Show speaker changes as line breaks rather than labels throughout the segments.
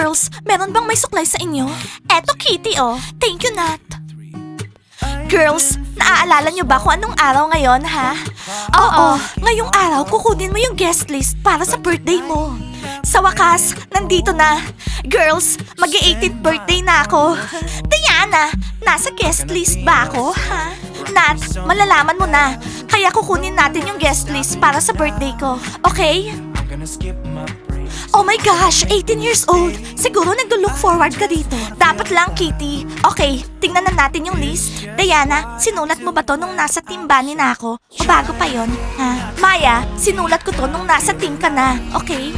Girls, meron bang may suklay sa inyo? Eto, Kitty, oh. Thank you, Nat. Girls, naaalala niyo ba kung anong araw ngayon, ha? Oo, ngayong araw kukunin mo yung guest list para sa birthday mo. Sa wakas, nandito na. Girls, mag-18th birthday na ako. Diana, nasa guest list ba ako, ha? Nat, malalaman mo na. Kaya kukunin natin yung guest list para sa birthday ko, okay? Oh my gosh, 18 years old. Siguro naglo-look forward ka dito. Dapat lang, Kitty. Okay, tingnan na natin yung list. Diana, sinulat mo ba to nung nasa team Bunny na ako? O bago pa yon? Ha? Maya, sinulat ko to nung nasa team ka na. Okay?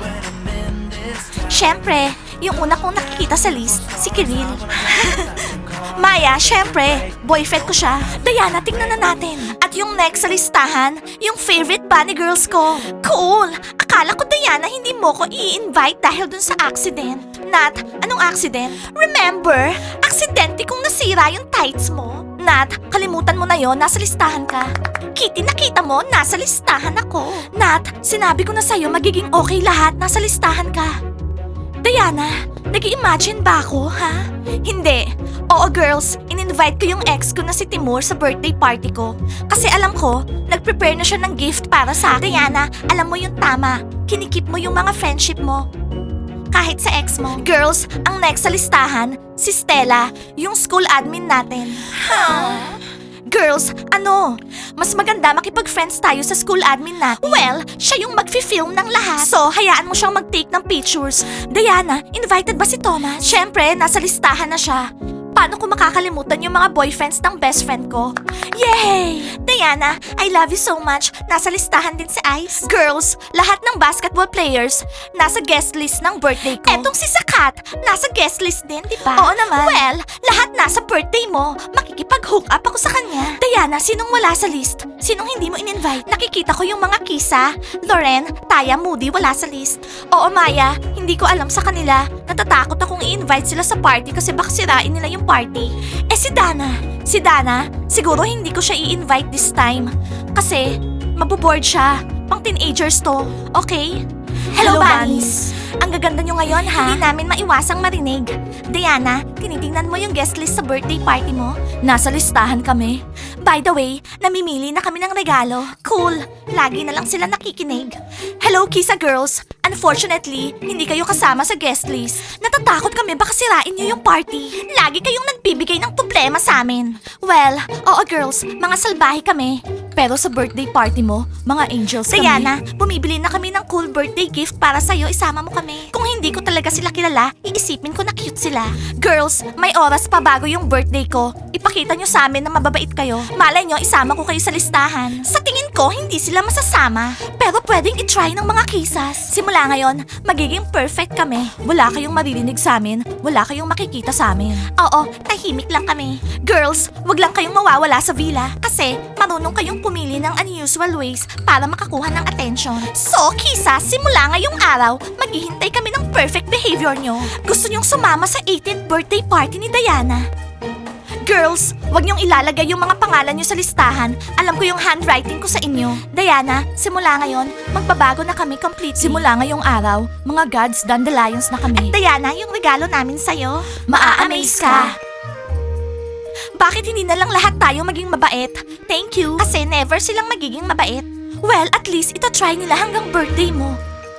Syempre, yung una kong nakikita sa list, si Kiril. Maya, syempre, boyfriend ko siya. Diana, tingnan na natin. At yung next sa listahan, yung favorite bunny girls ko. Cool! Akala ko, Diana, hindi mo ko i-invite dahil dun sa accident. Nat, anong accident? Remember, aksidente kong nasira yung tights mo. Nat, kalimutan mo na yon, nasa listahan ka. Kitty, nakita mo, nasa listahan ako. Nat, sinabi ko na sa'yo magiging okay lahat, nasa listahan ka. Diana, nag-i-imagine ba ako, ha? Hindi. Oo, girls, in-invite ko yung ex ko na si Timur sa birthday party ko. Kasi alam ko, nag-prepare na siya ng gift para sa akin. Diana, alam mo yung tama. Kinikip mo yung mga friendship mo. Kahit sa ex mo. Girls, ang next sa listahan, si Stella, yung school admin natin. Girls, ano? Mas maganda makipag-friends tayo sa school admin natin. Well, siya yung mag-film ng lahat. So, hayaan mo siyang mag-take ng pictures. Diana, invited ba si Thomas? Siyempre, nasa listahan na siya. Paano ko makakalimutan yung mga boyfriends ng best friend ko? Yay! Diana, I love you so much. Nasa listahan din si Ice. Girls, lahat ng basketball players nasa guest list ng birthday ko. Etong si Sakat, nasa guest list din, di ba? Oo naman. Well, lahat nasa birthday mo. Makikipag-hook up ako sa kanya. Diana, sinong wala sa list? Sinong hindi mo in-invite? Nakikita ko yung mga Kisa, Loren, Taya, Moody, wala sa list. Oo, Maya, hindi ko alam sa kanila. Natatakot akong i-invite sila sa party kasi baka sirain nila yung party. Eh si Dana, siguro hindi ko siya i-invite this time. Kasi, maboboard siya. Pang teenagers to, okay? Hello, bunnies! Ang gaganda nyo ngayon, ha? Hindi namin maiwasang marinig. Diana, tinitingnan mo yung guest list sa birthday party mo? Nasa listahan kami. By the way, namimili na kami ng regalo. Cool! Lagi na lang sila nakikinig. Hello, Kisa girls! Unfortunately, hindi kayo kasama sa guest list. Natatakot kami baka sirain niyo yung party. Lagi kayong nagbibigay ng problema sa amin. Well, oo girls, mga salbahe kami. Pero sa birthday party mo, mga angels kami. Diana, bumibili na kami ng cool birthday gift para sa'yo, isama mo kami. Kung hindi ko talaga sila kilala, iisipin ko na cute sila. Girls, may oras pa bago yung birthday ko. Ipakita nyo sa amin na mababait kayo. Malay nyo, isama ko kayo sa listahan. Sa tingin ko, hindi sila masasama. Pero pwedeng itry ng mga kisas. Simula ngayon, magiging perfect kami. Wala kayong maririnig sa amin, wala kayong makikita sa amin. Oo, tahimik lang kami. Girls, wag lang kayong mawawala sa villa. Kasi, marunong kayong pumili ng unusual ways para makakuha ng attention. So, Kisa, simula ngayong araw, maghihintay kami ng perfect behavior nyo. Gusto nyong sumama sa 18th birthday party ni Diana. Girls, wag niyong ilalagay yung mga pangalan niyo sa listahan. Alam ko yung handwriting ko sa inyo. Diana, simula ngayon, magbabago na kami completely. Simula ngayong araw, mga gods dandelions na kami. At Diana, yung regalo namin sa'yo, maa-amaze ka. Bakit hindi na lang lahat tayo maging mabait? Thank you. Kasi never silang magiging mabait. Well, at least ito try nila hanggang birthday mo.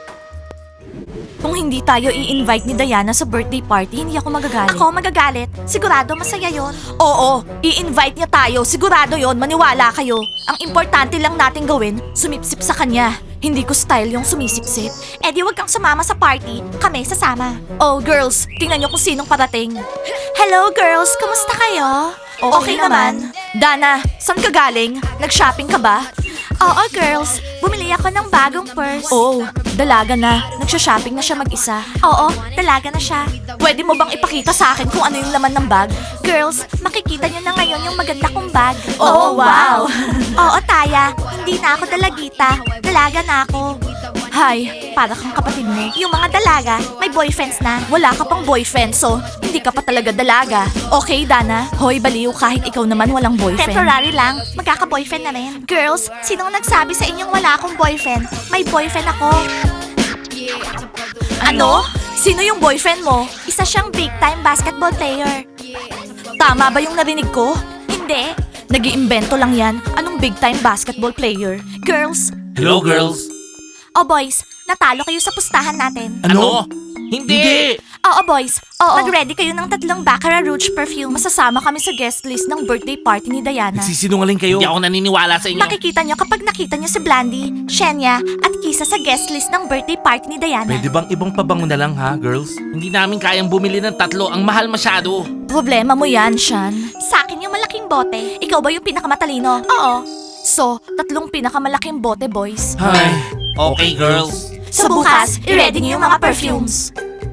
Kung hindi tayo i-invite ni Diana sa birthday party, hindi ako magagalit. Ako magagalit? Sigurado masaya yon. Oo, i-invite niya tayo. Sigurado yon, maniwala kayo. Ang importante lang natin gawin, sumipsip sa kanya. Hindi ko style yung sumisipsip. Eh di wag kang sumama sa party, kami sasama. Oh girls, tingnan niyo kung sinong parating. Hello girls, kumusta kayo? Okay naman. Dana, saan ka galing? Nag-shopping ka ba? Oo girls, bumili ako ng bagong purse. Oh, dalaga na. Nagsha-shopping na siya mag-isa. Oo, dalaga na siya. Pwede mo bang ipakita sa akin kung ano yung laman ng bag? Girls, makikita niyo na ngayon yung maganda kong bag. Oh, wow! Oo, Taya, hindi na ako dalagita. Dalaga na ako. Hi, para kang kapatid mo. Yung mga dalaga, may boyfriends na. Wala ka pang boyfriend, so hindi ka pa talaga dalaga. Okay, Dana? Hoy, baliw, kahit ikaw naman walang boyfriend. Temporary lang, magkaka-boyfriend na rin. Girls, sinong nagsabi sa inyong wala akong boyfriend? May boyfriend ako. Ano? Sino yung boyfriend mo? Isa siyang big-time basketball player. Tama ba yung narinig ko? Hindi. Nag-iimbento lang yan. Anong big-time basketball player? Girls?
Hello, girls.
Oh boys, natalo kayo sa pustahan natin.
Ano? Hindi!
Oo boys, oo. Mag-ready kayo ng 3 Baccarat Rouge perfume. Masasama kami sa guest list ng birthday party ni Diana.
Nagsisinungaling kayo. Hindi ako naniniwala sa inyo.
Makikita nyo kapag nakita nyo si Blandy, Shenya, at Kisa sa guest list ng birthday party ni Diana.
Pwede bang ibang pabango na lang ha, girls? Hindi namin kayang bumili ng 3. Ang mahal masyado.
Problema mo yan, Shan. Sa akin yung malaking bote. Ikaw ba yung pinakamatalino? Oo. So, 3 pinakamalaking bote, boys.
Hi. Okay, girls.
So bukas, i-ready nyo yung mga perfumes.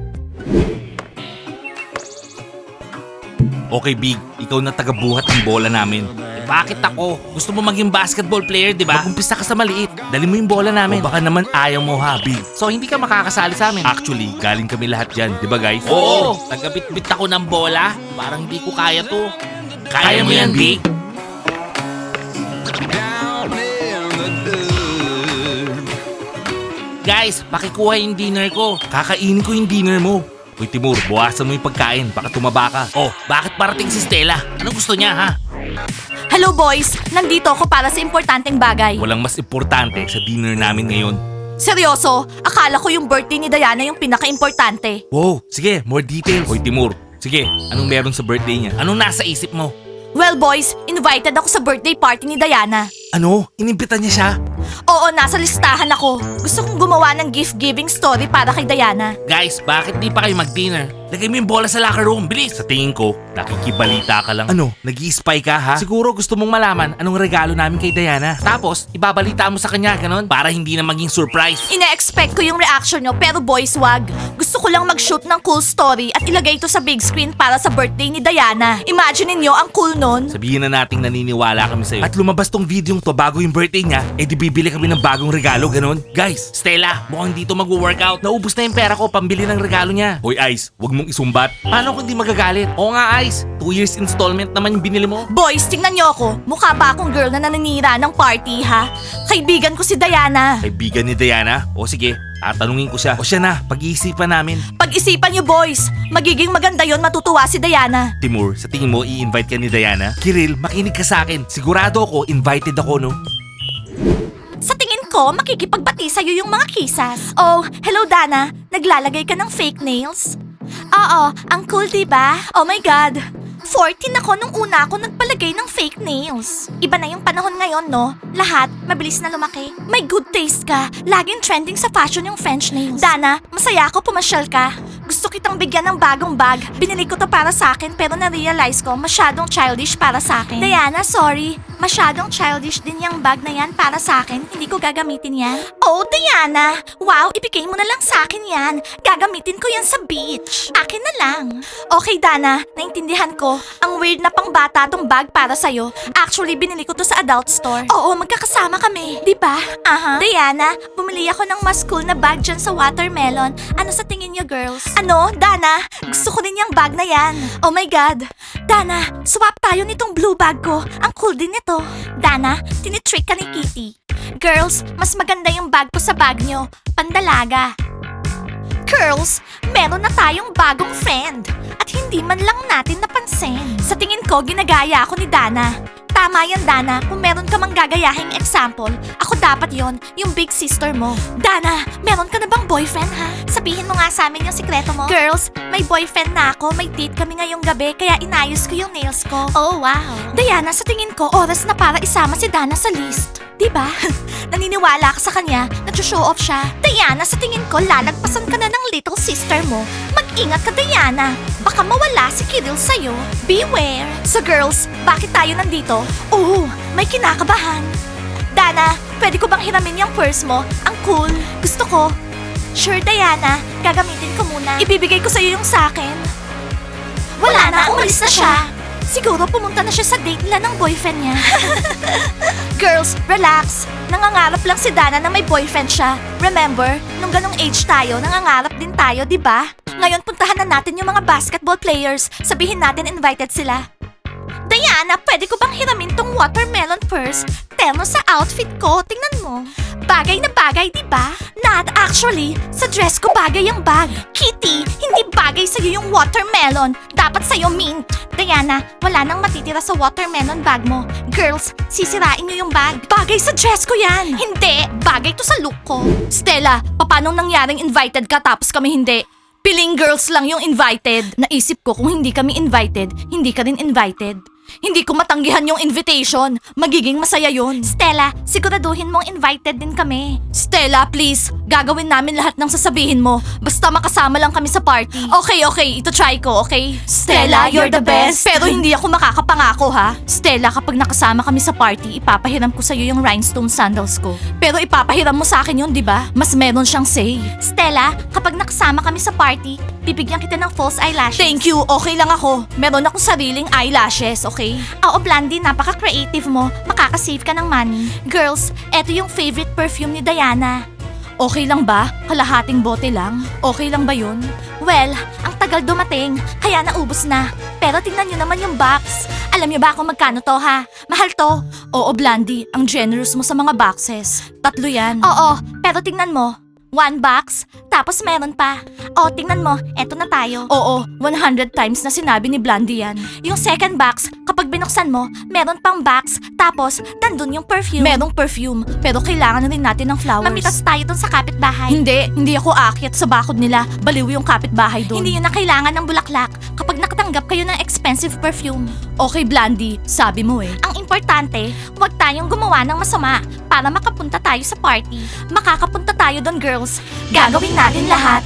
Okay, Big. Ikaw na tagabuhat ng bola namin. Bakit ako? Gusto mo maging basketball player, di ba? Mag-umpisa ka sa maliit. Dali mo yung bola namin. O baka naman ayaw mo ha, Big. So hindi ka makakasali sa amin. Actually, galing kami lahat dyan, di ba guys? Oo! Tagabit-bit ako ng bola. Parang hindi ko kaya to. Kaya mo yan, Big. Guys, pakikuha yung dinner ko. Kakainin ko yung dinner mo. Uy, Timur, buwasan mo yung pagkain. Baka tumaba ka. Oh, bakit parating si Stella? Anong gusto niya, ha?
Hello boys, nandito ako para sa importanteng bagay.
Walang mas importante sa dinner namin ngayon.
Seryoso, akala ko yung birthday ni Diana yung pinaka-importante.
Wow, sige, more details. Uy, Timur, sige, anong meron sa birthday niya? Anong nasa isip mo?
Well boys, invited ako sa birthday party ni Diana.
Ano? Inimbita niya siya?
Oo, nasa listahan ako. Gusto kong gumawa ng gift-giving story para kay Diana.
Guys, bakit di pa kayo mag-dinner? Lagay mo yung bola sa locker room, bilis! Sa tingin ko, nakikibalita ka lang. Ano? Nag-i-spy ka ha? Siguro gusto mong malaman anong regalo namin kay Diana. Tapos, ibabalita mo sa kanya, ganon? Para hindi na maging surprise.
Ine-expect ko yung reaction nyo, pero boys, wag. Gusto ko lang mag-shoot ng cool story at ilagay ito sa big screen para sa birthday ni Diana. Imagine niyo ang cool nun.
Sabihin na nating naniniwala kami sa'yo. At lumabas tong video to bago yung birthday niya, eh di bibili kami ng bagong regalo, ganon? Guys, Stella, mukhang dito mag-workout. Naubos na yung pera ko pambili ng regalo niya. Hoy Ice, wag mong isumbat. Paano kung di magagalit? Oo nga Ice, 2 years installment naman yung binili mo.
Boys, tingnan niyo ako. Mukha ba akong girl na naninira ng party, ha? Kaibigan ko si Diana.
Kaibigan ni Diana? O sige, tatanungin ko siya. O siya na, pag-iisipan namin.
Pag-isipan niyo, boys. Magiging maganda yon, matutuwa si Diana.
Timur, sa tingin mo i-invite ka ni Diana? Kiril, makinig ka sa akin. Sigurado ako, invited ako, no?
Sa tingin ko, makikipagbati sa'yo yung mga kisas. Oh, hello Dana. Naglalagay ka ng fake nails? Oo, ang cool diba? Oh my God. 14 ako nung una ako nagpalagay ng fake nails. Iba na yung panahon ngayon, no? Lahat, mabilis na lumaki. May good taste ka. Laging trending sa fashion yung French nails. Dana, masaya ako pumasyal ka. Gusto kitang bigyan ng bagong bag. Binili ko to para sa akin pero na-realize ko masyadong childish para sa akin. Diana, sorry. Masyadong childish din yung bag na yan para sa akin. Hindi ko gagamitin yan. Oh, Diana! Wow, ibigay mo na lang sa akin yan. Gagamitin ko yan sa beach. Akin na lang. Okay, Dana. Naintindihan ko. Ang weird na pangbata tong bag para sa'yo. Actually, binili ko to sa adult store. Oo, magkakasama kami. Di ba? Aha. Diana, bumili ako ng mas cool na bag dyan sa watermelon. Ano sa tingin niyo, girls? Ano, Dana? Gusto ko din yung bag na yan. Oh my God. Dana, swap tayo nitong blue bag ko. Ang cool din nito. Dana, tinitrick ka ni Kitty. Girls, mas maganda yung bag ko sa bag nyo. Pandalaga. Girls, meron na tayong bagong friend. At hindi man lang natin napansin. Sa tingin ko, ginagaya ako ni Dana. Tama yan, Dana. Kung meron ka mang gagayahing example, ako dapat yon, yung big sister mo. Dana, meron ka na bang boyfriend, ha? Sabihin mo nga sa amin yung sikreto mo. Girls, may boyfriend na ako. May date kami ngayong gabi, kaya inayos ko yung nails ko. Oh, wow. Diana, sa tingin ko, oras na para isama si Dana sa list. Diba? Naniniwala ka sa kanya, nag-show off siya. Diana, sa tingin ko, lalagpasan ka na ng little sister mo. Mag-ingat ka, Diana. Baka mawala si Kiril sa'yo. Beware. So girls, bakit tayo nandito? Oo, may kinakabahan. Dana, pwede ko bang hiramin yung purse mo? Ang cool. Gusto ko. Sure, Diana. Gagamitin ko muna. Ibibigay ko sa'yo yung sa'kin. Wala na, umalis na siya. Siguro pumunta na siya sa date nila ng boyfriend niya. Girls, relax. Nangangarap lang si Dana na may boyfriend siya. Remember, nung ganong age tayo, nangangarap din tayo, di ba? Ngayon puntahan na natin yung mga basketball players. Sabihin natin invited sila. Diana, pwede ko bang hiramin tong watermelon purse? Terno sa outfit ko, tingnan mo. Bagay na bagay, di ba? Not actually. Sa dress ko bagay ang bag. Kitty, hindi bagay sa'yo yung watermelon. Dapat sa'yo mint. Diana, wala nang matitira sa watermelon bag mo. Girls, sisirain niyo yung bag. Bagay sa dress ko yan. Hindi, bagay to sa look ko. Stella, paano nangyaring invited ka tapos kami hindi? Piling girls lang yung invited. Naisip ko kung hindi kami invited, hindi ka rin invited. Hindi ko matanggihan yung invitation. Magiging masaya yun. Stella, siguraduhin mong invited din kami. Stella, please. Gagawin namin lahat ng sasabihin mo. Basta makasama lang kami sa party. Okay. Ito try ko, okay? Stella, you're the best. Pero hindi ako makakapangako, ha? Stella, kapag nakasama kami sa party, ipapahiram ko sa'yo yung rhinestone sandals ko. Pero ipapahiram mo sa akin yun, di ba? Mas meron siyang say. Stella, kapag nakasama kami sa party, bibigyan kita ng false eyelashes. Thank you, okay lang ako. Meron akong sariling eyelashes, okay? Oo, Blandy, napaka-creative mo. Makaka-save ka ng money. Girls, eto yung favorite perfume ni Diana. Okay lang ba? Kalahating bote lang? Okay lang ba yun? Well, ang tagal dumating, kaya naubos na. Pero tingnan nyo naman yung box. Alam nyo ba kung magkano to, ha? Mahal to. Oo, Blandy, ang generous mo sa mga boxes. 3 yan. Oo, pero tingnan mo. 1 box, tapos meron pa. O, tingnan mo, eto na tayo. Oo, 100 times na sinabi ni Blandy yan. Yung second box, kapag binuksan mo, meron pang box, tapos nandun yung perfume. Merong perfume, pero kailangan na rin natin ng flowers. Mamitas tayo dun sa kapitbahay. Hindi ako aakyat sa bakod nila. Baliw yung kapitbahay dun. Hindi yun na kailangan ng bulaklak kapag nakatanggap kayo ng expensive perfume. Okay, Blandy, sabi mo eh. Ang importante, huwag tayong gumawa ng masama para makapunta tayo sa party. Makakapunta tayo dun, girls. Gagawin natin lahat.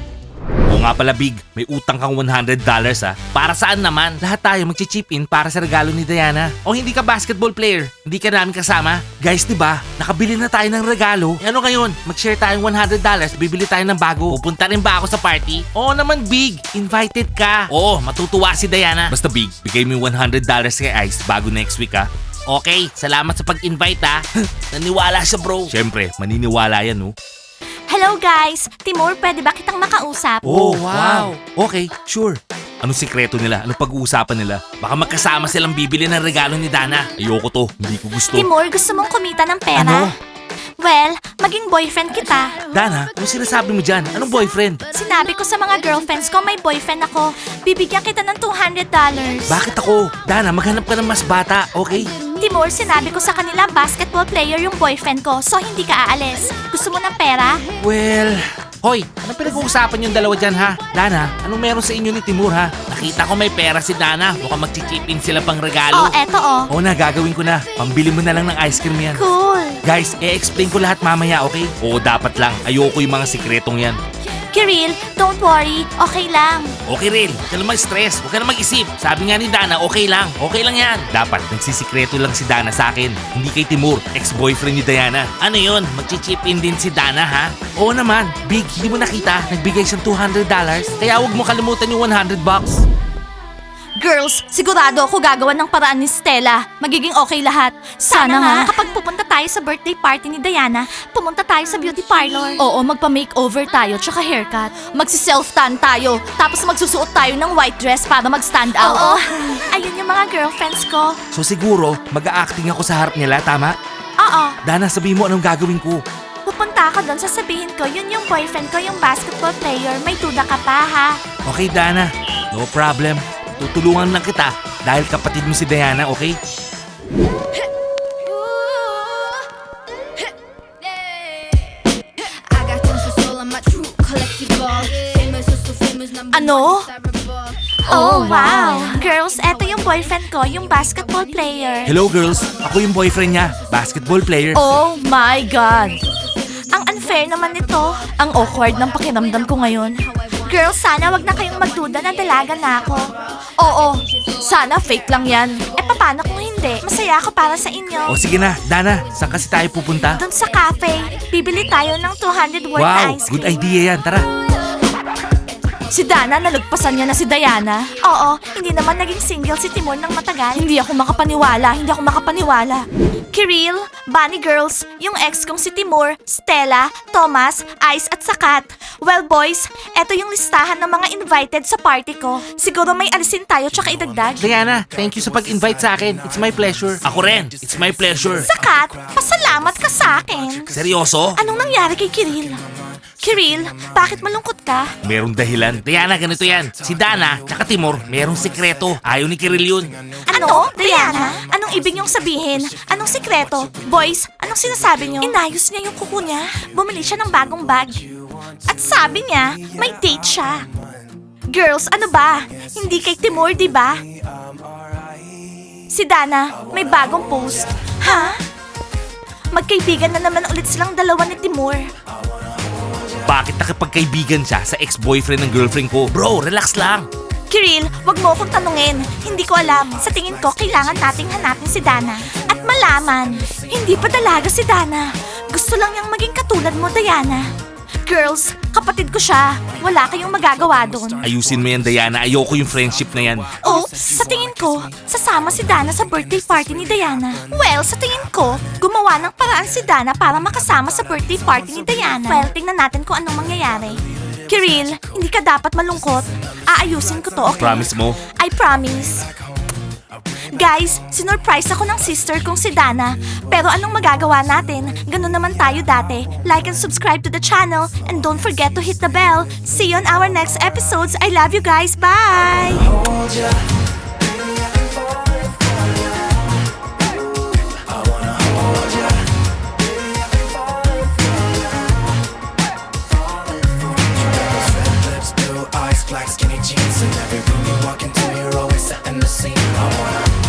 Oo nga pala, Big. May utang kang $100 ha. Para saan naman? Lahat tayo magchi-chip in para sa regalo ni Diana. O hindi ka basketball player? Hindi ka namin kasama? Guys, di ba? Nakabili na tayo ng regalo. E ano ngayon? Mag-share tayong $100, bibili tayo ng bago. Pupunta rin ba ako sa party? Oo naman, Big. Invited ka. Oo, matutuwa si Diana. Basta, Big, bigay mo yung $100 kay Ice bago next week ha. Okay, salamat sa pag-invite ha. Naniwala siya, bro. Siyempre, maniniwala yan, no?
Hello guys! Timur, pwede ba kitang makausap?
Oh, wow. Okay, sure. Anong sikreto nila? Anong pag-uusapan nila? Baka magkasama silang bibili ng regalo ni Dana. Ayoko to. Hindi ko gusto.
Timur, gusto mong kumita ng pera?
Ano?
Well, maging boyfriend kita.
Dana, anong sinasabi mo dyan? Anong boyfriend?
Sinabi ko sa mga girlfriends ko may boyfriend ako. Bibigyan kita ng $200.
Bakit ako? Dana, maghanap ka ng mas bata, okay?
Timur, sinabi ko sa kanila basketball player yung boyfriend ko, so hindi ka aalis. Gusto mo ng pera?
Well... Hoy, anong pinag-uusapan yung dalawa dyan ha? Dana, anong meron sa inyo ni Timur ha? Nakita ko may pera si Dana. Mukhang mag-chip in sila pang regalo.
Oh, eto oh.
Oo na, gagawin ko na. Pambili mo na lang ng ice cream yan.
Cool.
Guys, i-explain ko lahat mamaya, okay? Oo, dapat lang. Ayoko yung mga sikretong yan.
Kiril, don't worry. Okay lang.
Okay, Ril. Huwag ka na mag-stress. Huwag ka na mag-isip. Sabi nga ni Dana, okay lang. Okay lang yan. Dapat, nagsisikreto lang si Dana sa akin. Hindi kay Timur, ex-boyfriend ni Diana. Ano yun? Mag-chip in din si Dana, ha? Oo naman. Big, hindi mo nakita? Nagbigay siyang $200. Kaya huwag mo kalimutan yung $100.
Girls, sigurado ako gagawa ng paraan ni Stella. Magiging okay lahat. Sana nga. Kapag pupunta tayo sa birthday party ni Diana, pumunta tayo sa beauty parlor. Oo, magpa-makeover tayo tsaka haircut. Magsi-self-tan tayo, tapos magsusuot tayo ng white dress para mag-stand out. Oo. Ayun yung mga girlfriends ko.
So siguro, mag-a-acting ako sa harap nila, tama?
Oo.
Dana, sabihin mo anong gagawin ko.
Pupunta ako doon, sasabihin ko, yun yung boyfriend ko, yung basketball player. May duda ka pa, ha?
Okay, Dana. No problem. Tutulungan lang kita dahil kapatid mo si Diana, okay?
Ano? Oh, wow! Girls, eto yung boyfriend ko, yung basketball player.
Hello girls, ako yung boyfriend niya, basketball player.
Oh my God! Ang unfair naman nito. Ang awkward ng pakiramdam ko ngayon. Girls, sana wag na kayong magduda na dalaga na ako. Oo, sana fake lang yan. Paano kung hindi? Masaya ako para sa inyo.
O sige na, Dana, saan kasi tayo pupunta?
Doon sa cafe, bibili tayo ng 200 worth
Wow,
ice cream.
good idea yan, tara.
Si Dana, nalagpasan niya na si Diana. Oo, hindi naman naging single si Timur ng matagal. Hindi ako makapaniwala. Kiril, Bunny Girls, yung ex kong si Timur, Stella, Thomas, Ice at Sakat. Well boys, eto yung listahan ng mga invited sa party ko. Siguro may alisin tayo tsaka idagdag.
Diana, thank you sa pag-invite sa akin. It's my pleasure. Ako rin. It's my pleasure.
Sakat, pasalamat ka sa akin.
Seryoso?
Anong nangyari kay Kiril? Kiril, bakit malungkot ka?
Merong dahilan. Diana, ganito yan. Si Dana, tsaka Timur, merong sikreto. Ayaw ni Kiril yun.
Ano? Diana? Anong ibig niyong sabihin? Anong sikreto? Boys, anong sinasabi niyo? Inayos niya yung kuko niya. Bumili siya ng bagong bag. At sabi niya, may date siya. Girls, ano ba? Hindi kay Timur, di ba? Si Dana, may bagong post. Ha? Magkaibigan na naman ulit silang dalawa ni Timur.
Bakit nakipagkaibigan siya sa ex-boyfriend ng girlfriend ko? Bro, relax lang.
Kiril, wag mo akong tanungin. Hindi ko alam. Sa tingin ko, kailangan nating hanapin si Dana. At malaman, hindi pa dalaga si Dana. Gusto lang niyang maging katulad mo, Diana. Girls, kapatid ko siya. Wala kayong magagawa doon.
Ayusin mo yan, Diana. Ayoko yung friendship na yan.
Oops, sa tingin ko, sasama si Dana sa birthday party ni Diana. Well, sa tingin ko, gumawa ng paraan si Dana para makasama sa birthday party ni Diana. Well, tingnan natin kung anong mangyayari. Kiril, hindi ka dapat malungkot. Aayusin ko to, okay?
Promise mo?
I promise. Guys, sinurprise ako ng sister kong si Dana. Pero anong magagawa natin? Ganun naman tayo dati. Like and subscribe to the channel. And don't forget to hit the bell. See you on our next episodes. I love you guys. Bye!
Black skinny jeans in every room you walk into, you're always setting the scene. I wanna